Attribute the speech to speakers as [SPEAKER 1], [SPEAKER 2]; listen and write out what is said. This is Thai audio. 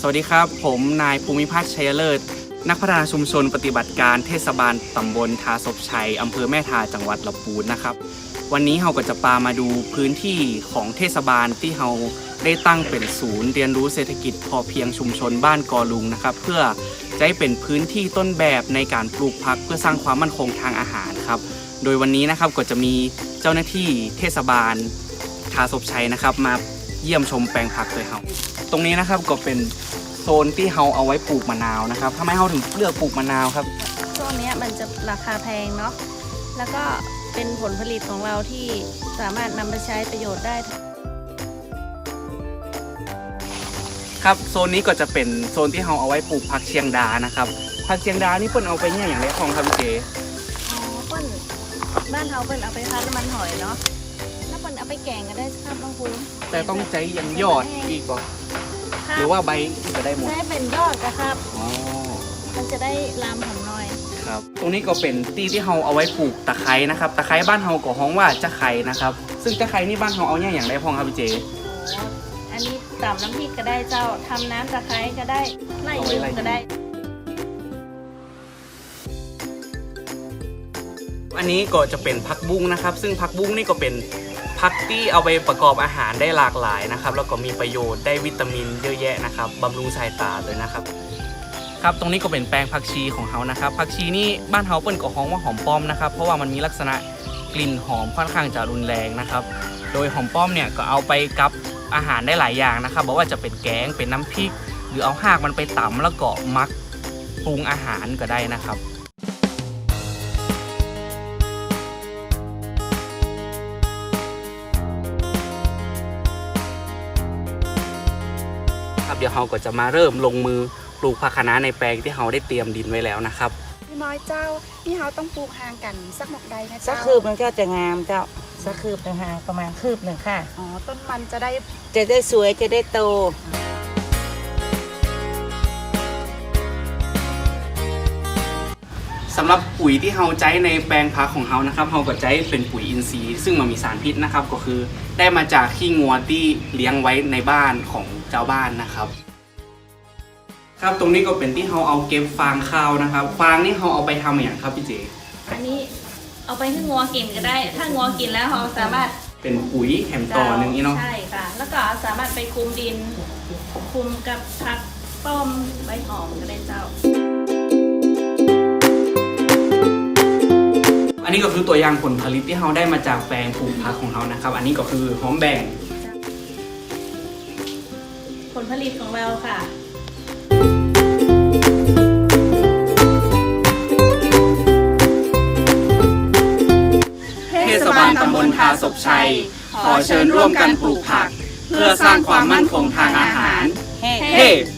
[SPEAKER 1] วัสดีครับผมนายภูมิพัฒน์ชัยเลิศนักพัฒนาชุมชนปฏิบัติการเทศบาลตำบลทาศพชัยอำเภอแม่ทาจังหวัดลำพูนนะครับวันนี้เราก็จะพามาดูพื้นที่ของเทศบาลที่เราได้ตั้งเป็นศูนย์เรียนรู้เศรษฐกิจพอเพียงชุมชนบ้านกอลุงนะครับเพื่อจะให้เป็นพื้นที่ต้นแบบในการปลูกผักเพื่อสร้างความมั่นคงทางอาหารครับโดยวันนี้นะครับก็จะมีเจ้าหน้าที่เทศบาลทาศพชัยนะครับมาเยี่ยมชมแปลงผักโดยเราตรงนี้นะครับก็เป็นโซนที่เราเอาไว้ปลูกมะนาวนะครับทำไมเราถึงเลือกปลูกมะนาวครับ
[SPEAKER 2] ช่วงนี้มันจะราคาแพงเนาะแล้วก็เป็นผลผลิตของเราที่สามารถนำไปใช้ประโยชน์ได้
[SPEAKER 1] ครับโซนนี้ก็จะเป็นโซนที่เราเอาไว้ปลูกผักเชียงดานะครับผักเชียงดานี่เปิ้นเอาไปเนี่ยอย่างไรของครับพี่เก๋
[SPEAKER 2] เปิ้นบ้านเราเปิ้นเอาไปพัดน้ำมันหอยเนาะแล้วเปิ้นเอาไปแกงก็ได้ครับบางคุณ
[SPEAKER 1] แต่ต้องใจยังยอดอีกป่ะหรือว่าใบก็ได้หมด
[SPEAKER 2] ใช้เป็นยอดนะครับมันจะได้ลามหอมหน่อย
[SPEAKER 1] ครับตรงนี้ก็เป็นที่เราเอาไว้ปลูกตะไคร้นะครับตะไคร้บ้านเราก็ฮ้องว่าจะไคร้นะครับซึ่งจะไคร้นี่บ้านเราเอาเนี่ยอย่างไรพองครับพี่เจ
[SPEAKER 2] อันนี้ตำน้ำพริกก็ได้เจ้าทำน้ำตะไคร้ก็ได้ไล่ยืมก็ได้
[SPEAKER 1] อันนี้ก็จะเป็นผักบุ้งนะครับซึ่งผักบุ้งนี่ก็เป็นผักที่เอาไปประกอบอาหารได้หลากหลายนะครับแล้วก็มีประโยชน์ได้วิตามินเยอะแยะนะครับบำรุงสายตาเลยนะครับครับตรงนี้ก็เป็นแปลงผักชีของเขานะครับผักชีนี่บ้านเฮาเปิ้นก็ฮ้องว่าหอมป้อมนะครับเพราะว่ามันมีลักษณะกลิ่นหอมค่อนข้างจะรุนแรงนะครับโดยหอมป้อมเนี่ยก็เอาไปกับอาหารได้หลายอย่างนะครับบอกว่าจะเป็นแกงเป็นน้ำพริกหรือเอาหากมันไปตำแล้วก็มักปรุงอาหารก็ได้นะครับเดี๋ยวเราก็จะมาเริ่มลงมือปลูกผักคะน้าในแปลงที่เราได้เตรียมดินไว้แล้วนะครับ
[SPEAKER 3] พี่น้อยเจ้านี่เราต้องปลูกห่างกันสักหมกใดนะเจ้า
[SPEAKER 4] สักคืบมันก็จะงามเจ้าสักคืบห่างประมาณคืบหนึ่งค่ะ
[SPEAKER 3] อ๋อต้นมันจะ
[SPEAKER 4] ได้สวยจะได้โต
[SPEAKER 1] สำหรับปุ๋ยที่เราใช้ในแปลงผักของเรานะครับเราก็ใช้เป็นปุ๋ยอินทรีย์ซึ่งมันมีสารพิษนะครับก็คือได้มาจากขี้งัวที่เลี้ยงไว้ในบ้านของเจ้าบ้านนะครับครับตรงนี้ก็เป็นที่เราเอาเก็บฟางข้าวนะครับฟางนี่เราเอาไปทำอย่างครับพี่เจ
[SPEAKER 2] อันนี้เอาไปให้งัวกินก็ได้ถ้างัวกินแล้วเราสามารถ
[SPEAKER 1] เป็นปุ๋ยแถมต่อหนึ่งนี่เนาะ
[SPEAKER 2] ใช่ค่ะแล้วก็สามารถไปคลุมดินคลุมกับผักต้มใบหอมก็ได้เจ้า
[SPEAKER 1] อันนี้ก็คือตัวอย่างผลผลิตที่เราได้มาจากแปลงปลูกผักของเรานะครับอันนี้ก็คือหอมแบ่ง
[SPEAKER 2] ผลผลิตของเราค่ะ
[SPEAKER 1] เทศบาลตำบลทาศพชัยขอเชิญร่วมกันปลูกผักเพื่อสร้างความมั่นคงทางอาหารเฮ้